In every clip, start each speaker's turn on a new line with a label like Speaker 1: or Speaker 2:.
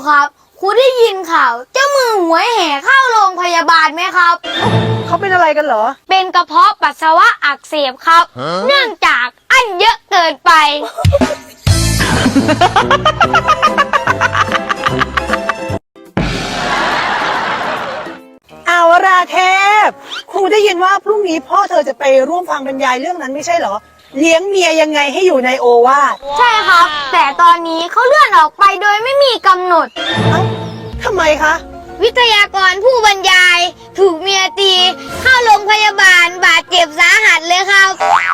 Speaker 1: ครับครูได้ยินข่าวเจ้ามือหวยแห่เข้าโรงพยาบาลไหมครับ
Speaker 2: เขาเป็นอะไรกันเหรอ
Speaker 1: เป็นกระเพาะปัสสาวะอักเสบครับ เนื่องจากอั้นเยอะเกินไป
Speaker 2: อาวราเทพครูได้ยินว่าพรุ่งนี้พ่อเธอจะไปร่วมฟังบรรยายเรื่องนั้นไม่ใช่เหรอเลี้ยงเมียยังไงให้อยู่ในโอวาท
Speaker 1: ใช่ครับ แต่ตอนนี้เขาเลื่อนออกไปโดยไม่มีกำหนด
Speaker 2: เอ้าทำไมคะ
Speaker 1: วิทยากรผู้บรรยาย ถูกเมียตี เข้าโรงพยาบาลบาดเจ็บสาหัสเลยครับ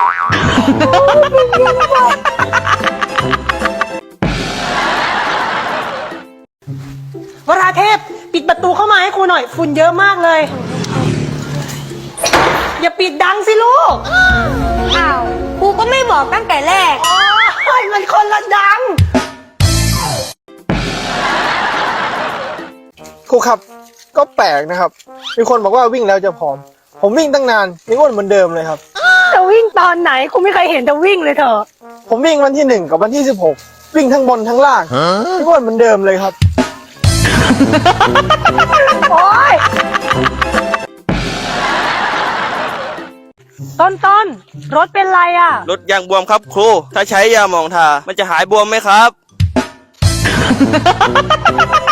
Speaker 2: วราเทพปิดประตูเข้ามาให้ครูหน่อยฝุ่นเยอะมากเลย อย่าปิดดังสิลูก
Speaker 1: อ้าวครูก็ไม่บอกตั้งแต่แรก
Speaker 2: โอ้ยมันคนละดัง
Speaker 3: ครูครับก็แปลกนะครับมีคนบอกว่าวิ่งแล้วจะผอมผมวิ่งตั้งนานยังอ้วนเหมือนเดิมเลยครับ
Speaker 2: จะวิ่งตอนไหนครูไม่เคยเห็นจะวิ่งเลยเถอะ
Speaker 3: ผมวิ่งวันที่1กับวันที่16วิ่งทั้งบนทั้งล่างยังอ้วนเหมือนเดิมเลยครับ
Speaker 2: โอ้ยต้นรถเป็นไรอ่ะ
Speaker 4: รถยางบวมครับครู ถ้าใช้ยาหมองทา มันจะหายบวมไหมครับ